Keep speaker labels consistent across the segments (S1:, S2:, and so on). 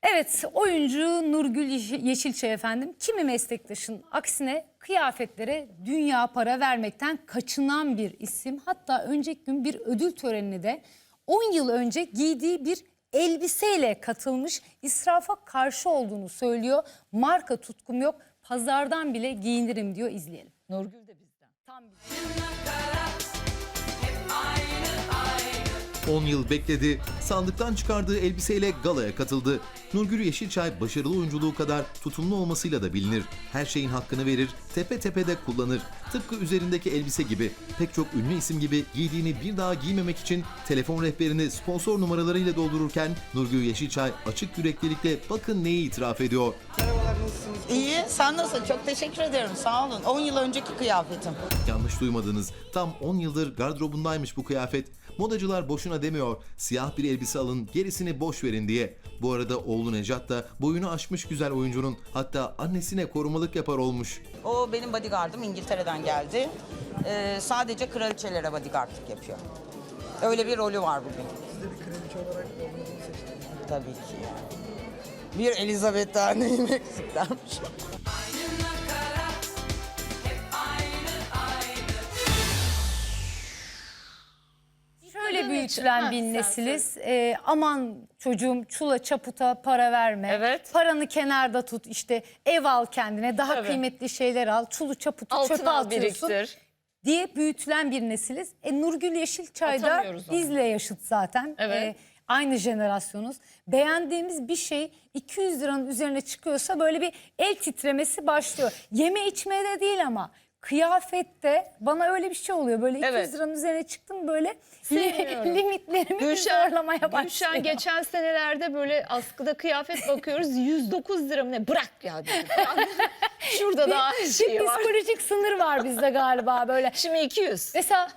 S1: Evet, oyuncu Nurgül Yeşilçay efendim, kimi meslektaşın aksine kıyafetlere dünya para vermekten kaçınan bir isim. Hatta önceki gün bir ödül törenine de 10 yıl önce giydiği bir elbiseyle katılmış, israfa karşı olduğunu söylüyor. Marka tutkum yok, pazardan bile giyinirim diyor, izleyelim.
S2: Nurgül de bizden.
S1: Tam bir...
S3: 10 yıl bekledi, sandıktan çıkardığı elbiseyle galaya katıldı. Nurgül Yeşilçay başarılı oyunculuğu kadar tutumlu olmasıyla da bilinir. Her şeyin hakkını verir, tepe tepe de kullanır. Tıpkı üzerindeki elbise gibi, pek çok ünlü isim gibi giydiğini bir daha giymemek için telefon rehberini sponsor numaralarıyla doldururken Nurgül Yeşilçay açık yüreklilikle bakın neyi itiraf ediyor.
S4: Merhabalar, nasılsınız?
S5: İyi, sen nasılsın? Çok teşekkür ederim, sağ olun. 10 yıl önceki kıyafetim.
S3: Yanlış duymadınız, tam 10 yıldır gardırobundaymış bu kıyafet. Modacılar boşuna demiyor, siyah bir elbise alın, gerisini boş verin diye. Bu arada oğlu Nejat da boyunu aşmış güzel oyuncunun, hatta annesine korumalık yapar olmuş.
S5: O benim bodyguardım, İngiltere'den geldi. Sadece kraliçelere bodyguardlık yapıyor. Öyle bir rolü var bugün.
S4: Siz de bir kraliçe olarak oğlunuzu mu seçtiniz?
S5: Tabii ki. Bir Elizabeth daha neyim eksik dermiş.
S1: Şöyle büyütülen bir nesiliz. Aman çocuğum, çula çaputa para verme.
S2: Evet.
S1: Paranı kenarda tut, işte ev al kendine, daha
S2: Tabii.
S1: kıymetli şeyler al. Çulu çaputu
S2: Altın
S1: çöpe
S2: al,
S1: atıyorsun
S2: biriktir.
S1: diye büyütülen bir nesiliz. Nurgül Yeşilçay da
S2: Atamıyoruz onu.
S1: bizle yaşıt zaten.
S2: Evet.
S1: Aynı jenerasyonuz. Beğendiğimiz bir şey 200 liranın üzerine çıkıyorsa böyle bir el titremesi başlıyor. Yeme içmeye de değil ama kıyafette bana öyle bir şey oluyor. Böyle 200
S2: Evet.
S1: liranın üzerine çıktım, böyle
S2: Sevmiyorum.
S1: limitlerimi zorlamaya başlıyor.
S2: Gülşen geçen senelerde böyle askıda kıyafet bakıyoruz 109 lira mı ne? Bırak ya dedim. Şurada daha
S1: Bir
S2: şey var.
S1: psikolojik sınır var bizde galiba böyle.
S2: Şimdi 200.
S1: Mesela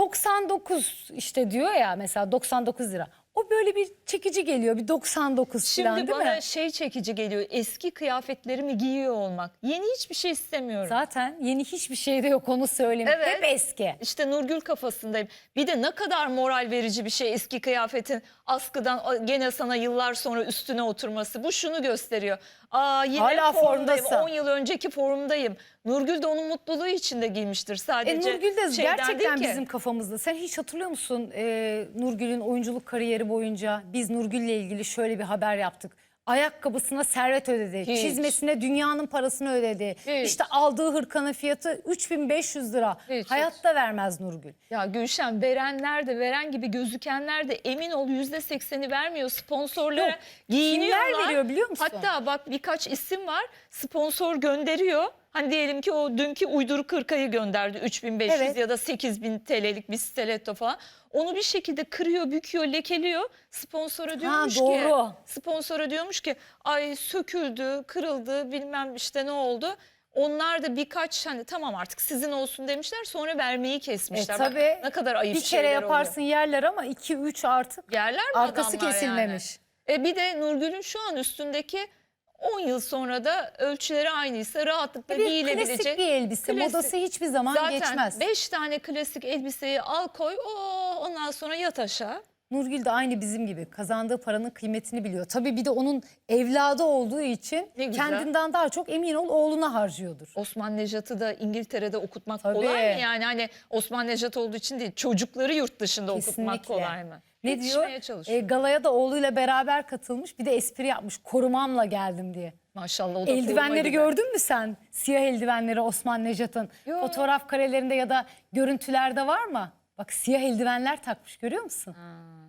S1: 99 işte diyor ya, mesela 99 lira. O böyle bir çekici geliyor, bir 99 falan,
S2: Şimdi
S1: değil
S2: bana
S1: mi?
S2: şey çekici geliyor. Eski kıyafetlerimi giyiyor olmak. Yeni hiçbir şey istemiyorum.
S1: Zaten yeni hiçbir şey de yok, onu söyleyeyim.
S2: Evet.
S1: Hep eski.
S2: İşte Nurgül kafasındayım. Bir de ne kadar moral verici bir şey eski kıyafetin askıdan gene sana yıllar sonra üstüne oturması. Bu şunu gösteriyor. Yine
S1: Hala
S2: formdayım.
S1: formdasın.
S2: 10 yıl önceki formdayım. Nurgül de onun mutluluğu içinde giymiştir sadece.
S1: Nurgül de
S2: şeyden
S1: gerçekten
S2: değil ki.
S1: bizim kafamızda. Sen hiç hatırlıyor musun Nurgül'ün oyunculuk kariyeri boyunca biz Nurgül'le ilgili şöyle bir haber yaptık. Ayakkabısına servet ödedi,
S2: Hiç.
S1: çizmesine dünyanın parasını ödedi.
S2: Hiç.
S1: İşte aldığı hırkanın fiyatı 3500 lira.
S2: Hiç,
S1: Hayatta vermez Nurgül.
S2: Ya Gülşen, verenler de, veren gibi gözükenler de emin ol %80'i vermiyor. Sponsorlara
S1: Yok,
S2: giyiniyorlar.
S1: kimler veriyor biliyor musun?
S2: Hatta bak, birkaç isim var, sponsor gönderiyor. Hani diyelim ki o dünkü uyduruk hırkayı gönderdi 3500
S1: Evet.
S2: ya da 8000 TL'lik bir stiletto falan. Onu bir şekilde kırıyor, büküyor, lekeliyor. Sponsora diyormuş
S1: doğru.
S2: ki, sponsora diyormuş ki ay söküldü, kırıldı, bilmem işte ne oldu. Onlar da birkaç hani tamam artık sizin olsun demişler, sonra vermeyi kesmişler. Bak,
S1: Tabii
S2: ne kadar ayıp
S1: bir kere
S2: şeyler
S1: yaparsın yerler ama 2-3 artık
S2: Yerler mi
S1: arkası
S2: adamlar
S1: kesilmemiş.
S2: Yani? Bir de Nurgül'ün şu an üstündeki 10 yıl sonra da ölçüleri aynıysa rahatlıkla
S1: Bir
S2: giyilebilecek.
S1: klasik bir elbise.
S2: Klasik.
S1: Modası hiçbir zaman
S2: Zaten
S1: geçmez.
S2: 5 tane klasik elbiseyi al koy, ondan sonra yat aşağı.
S1: Nurgül de aynı bizim gibi kazandığı paranın kıymetini biliyor. Tabii bir de onun evladı olduğu için
S2: Ne güzel.
S1: kendinden daha çok emin ol oğluna harcıyordur.
S2: Osman Nejat'ı da İngiltere'de okutmak
S1: Tabii.
S2: kolay mı? Yani hani Osman Nejat olduğu için değil, çocukları yurt dışında okutmak kolay mı?
S1: Ne
S2: Yetişmeye
S1: diyor?
S2: çalışıyor.
S1: Galaya da oğluyla beraber katılmış, bir de espri yapmış. Korumamla geldim diye.
S2: Maşallah, o da koruma
S1: Eldivenleri
S2: gibi.
S1: gördün mü sen? Siyah eldivenleri Osman Nejat'ın.
S2: Yo.
S1: Fotoğraf karelerinde ya da görüntülerde var mı? Bak, siyah eldivenler takmış, görüyor musun?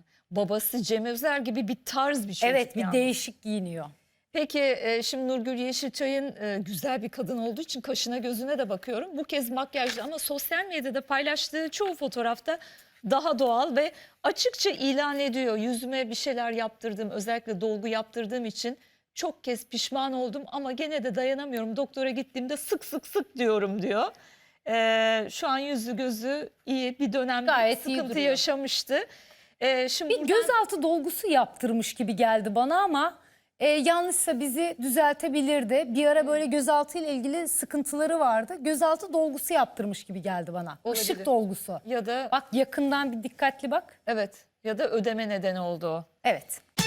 S2: Babası Cem Özer gibi bir tarz bir çocuk.
S1: Evet, bir
S2: yani.
S1: değişik giyiniyor.
S2: Peki şimdi Nurgül Yeşilçay'ın güzel bir kadın olduğu için kaşına gözüne de bakıyorum. Bu kez makyajlı ama sosyal medyada paylaştığı çoğu fotoğrafta daha doğal ve açıkça ilan ediyor. Yüzüme bir şeyler yaptırdım, özellikle dolgu yaptırdığım için çok kez pişman oldum ama gene de dayanamıyorum. Doktora gittiğimde sık sık diyorum diyor. Şu an yüzü gözü iyi, bir dönem
S1: Gayet iyi
S2: sıkıntı
S1: duruyor.
S2: yaşamıştı. Şimdi
S1: Bir gözaltı dolgusu yaptırmış gibi geldi bana ama yanlışsa bizi düzeltebilirdi. Bir ara böyle gözaltı ile ilgili sıkıntıları vardı. Gözaltı dolgusu yaptırmış gibi geldi bana.
S2: Olabilir.
S1: Işık dolgusu.
S2: ya da
S1: Bak yakından bir dikkatli bak.
S2: evet, ya da ödeme nedeni oldu o.
S1: Evet.